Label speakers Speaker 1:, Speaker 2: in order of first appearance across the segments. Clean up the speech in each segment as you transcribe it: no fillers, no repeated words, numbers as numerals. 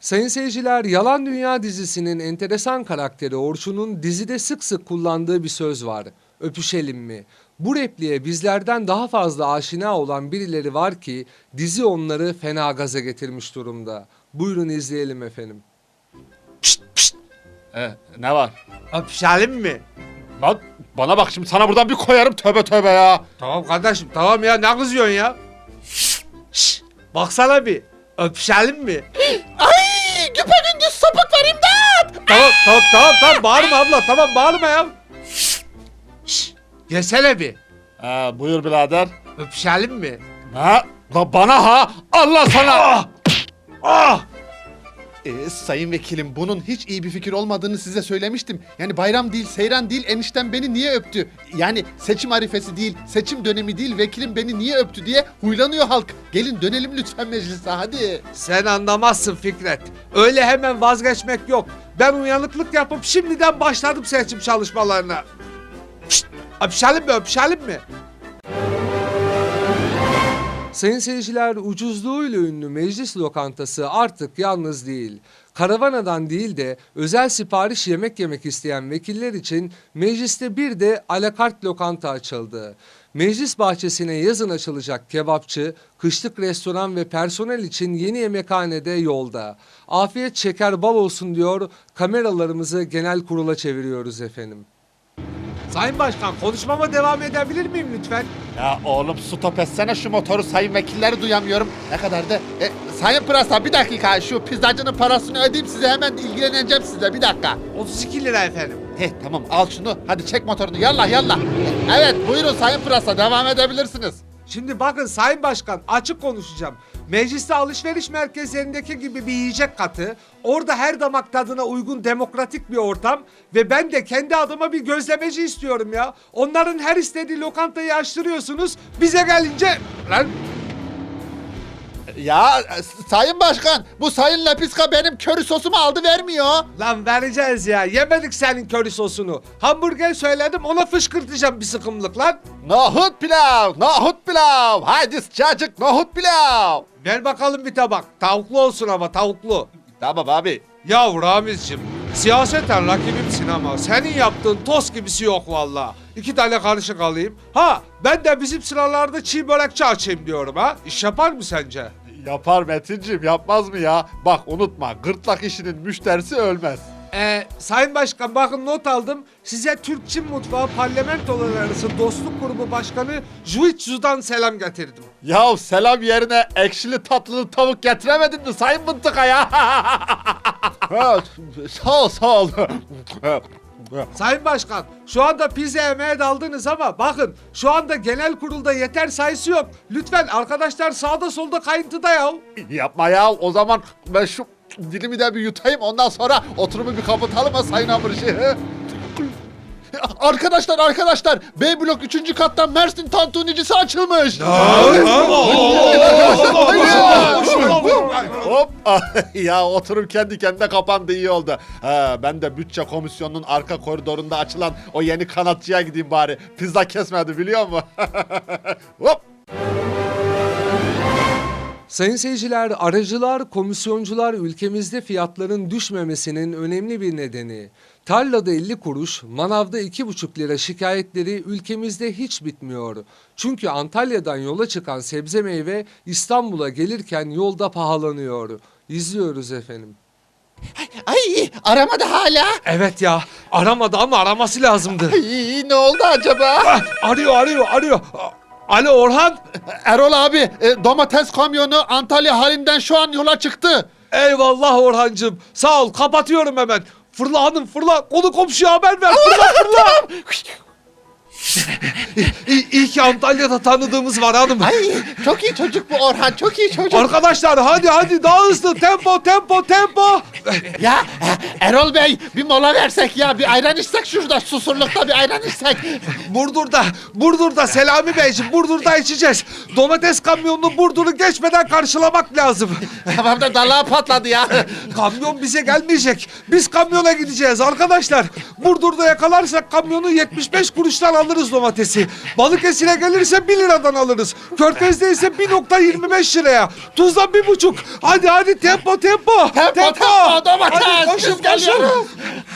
Speaker 1: Sayın seyirciler, Yalan Dünya dizisinin enteresan karakteri Orçun'un dizide sık sık kullandığı bir söz var. Öpüşelim mi? Bu repliğe bizlerden daha fazla aşina olan birileri var ki dizi onları fena gaza getirmiş durumda. Buyurun izleyelim efendim.
Speaker 2: Pişt pişt. Ne var?
Speaker 3: Öpüşelim mi?
Speaker 2: Lan bana bak şimdi sana buradan bir koyarım tövbe tövbe ya.
Speaker 3: Tamam kardeşim tamam ya ne kızıyorsun ya? Şşş baksana bir öpüşelim mi?
Speaker 4: Ay güpegündüz sapık var imdat.
Speaker 3: Tamam bağırma abla tamam bağırma ya. Şşş gelsene bir
Speaker 2: Buyur birader.
Speaker 3: öpüşelim mi?
Speaker 2: Ha? La bana ha? Allah sana.
Speaker 3: Ah!
Speaker 4: Sayın vekilim bunun hiç iyi bir fikir olmadığını size söylemiştim. Yani bayram değil, seyran değil, eniştem beni niye öptü? Yani seçim arifesi değil, seçim dönemi değil, vekilim beni niye öptü diye huylanıyor halk. Gelin dönelim lütfen meclise hadi.
Speaker 3: Sen anlamazsın Fikret. Öyle hemen vazgeçmek yok. Ben uyanıklık yapıp şimdiden başladım seçim çalışmalarına. Şşt öpüşelim mi?
Speaker 1: Sayın seyirciler, ucuzluğuyla ünlü meclis lokantası artık yalnız değil. Karavanadan değil de özel sipariş yemek isteyen vekiller için mecliste bir de alakart lokanta açıldı. Meclis bahçesine yazın açılacak kebapçı, kışlık restoran ve personel için yeni yemekhane de yolda. Afiyet şeker bal olsun diyor, kameralarımızı genel kurula çeviriyoruz efendim.
Speaker 3: Sayın Başkan konuşmama devam edebilir miyim lütfen?
Speaker 4: Ya oğlum stop etsene şu motoru, sayın vekilleri duyamıyorum. Ne kadar da... Sayın Pırasa bir dakika, şu pizzacının parasını ödeyeyim size, hemen ilgileneceğim size, bir dakika.
Speaker 3: 32 lira efendim.
Speaker 4: Tamam al şunu, hadi çek motorunu, yallah. Evet buyurun Sayın Pırasa, devam edebilirsiniz.
Speaker 3: Şimdi bakın Sayın Başkan açık konuşacağım. Mecliste alışveriş merkezlerindeki gibi bir yiyecek katı, orada her damak tadına uygun demokratik bir ortam ve ben de kendi adıma bir gözlemeci istiyorum ya. Onların her istediği lokantayı açtırıyorsunuz, bize gelince... Lan
Speaker 4: Ya Sayın Başkan, bu Sayın Lapiska benim köri sosumu aldı vermiyor.
Speaker 3: Lan vereceğiz ya, yemedik senin köri sosunu. Hamburger söyledim, ona fışkırtacağım bir sıkımlık lan.
Speaker 4: Nohut pilav. Haydi sıcacık nohut pilav.
Speaker 3: Ver bakalım bir tabak, tavuklu olsun ama tavuklu.
Speaker 4: Tamam abi.
Speaker 3: Ya Ramizciğim, siyaseten rakibimsin ama senin yaptığın tost gibisi yok valla. 2 tane karışık alayım. Ha, ben de bizim sıralarda çiğ börekçi açayım diyorum ha. İş yapar mı sence?
Speaker 2: Yapar Metinciğim, yapmaz mı ya? Bak unutma, gırtlak işinin müşterisi ölmez.
Speaker 3: Sayın Başkan bakın not aldım. Size Türk-Çin Mutfağı Parlamentolar Arası Dostluk Grubu Başkanı Juitzu'dan selam getirdim.
Speaker 2: Ya selam yerine ekşili tatlılı tavuk getiremedin mi sayın mıntıka ya?
Speaker 4: Ha, sağ ol.
Speaker 3: Sayın Başkan, şu anda pizza yemeye daldınız ama bakın şu anda genel kurulda yeter sayısı yok. Lütfen arkadaşlar sağda solda kayıntıda ya.
Speaker 4: Yapma ya, o zaman ben şu dilimi de bir yutayım, ondan sonra oturumu bir kapatalım ha Sayın Hamurişi. Arkadaşlar, B blok 3. kattan Mersin tantunicisi açılmış.
Speaker 2: Hop! Ya oturum kendi kendine kapandı, iyi oldu. Ben de bütçe komisyonunun arka koridorunda açılan o yeni kanatçıya gideyim bari. Pizza kesmedi biliyor musun? Hop!
Speaker 1: Sayın seyirciler, aracılar, komisyoncular ülkemizde fiyatların düşmemesinin önemli bir nedeni. Tarlada 50 kuruş, manavda 2,5 lira şikayetleri ülkemizde hiç bitmiyor. Çünkü Antalya'dan yola çıkan sebze meyve İstanbul'a gelirken yolda pahalanıyor. İzliyoruz efendim.
Speaker 4: Ay aramadı hala.
Speaker 3: Evet ya, aramadı ama araması lazımdı.
Speaker 4: Ay, ne oldu acaba?
Speaker 3: Arıyor. Alo Orhan.
Speaker 4: Erol abi, domates kamyonu Antalya halinden şu an yola çıktı.
Speaker 3: Eyvallah Orhancığım. Sağ ol, kapatıyorum hemen. Fırla hanım fırla. Konu komşuya haber ver. Fırla. İyi ki Antalya'da tanıdığımız var hanım.
Speaker 4: Ay çok iyi çocuk bu Orhan, çok iyi çocuk.
Speaker 3: Arkadaşlar hadi daha hızlı. Tempo.
Speaker 4: Ya Erol Bey, bir mola versek ya, bir ayran içsek şurada Susurluk'ta, bir ayran içsek.
Speaker 3: Burdur'da Selami Beyciğim, Burdur'da içeceğiz. Domates kamyonunu Burdur'u geçmeden karşılamak lazım.
Speaker 4: Tamam da dalağı patladı ya.
Speaker 3: Kamyon bize gelmeyecek. Biz kamyona gideceğiz arkadaşlar. Burdur'da yakalarsak kamyonu 75 kuruştan alırız. alırız domatesi. Balıkesir'e gelirse 1 liradan alırız. Körfez'de ise 1,25 liraya. Tuzla 1,5. Hadi tempo.
Speaker 2: Tempo, domates.
Speaker 3: Hadi koşun.
Speaker 2: Biz geliyoruz.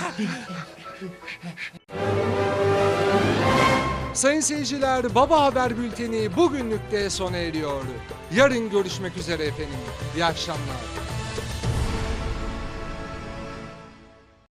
Speaker 1: Sayın seyirciler, Baba Haber Bülteni bugünlük de sona eriyor. Yarın görüşmek üzere efendim. İyi akşamlar.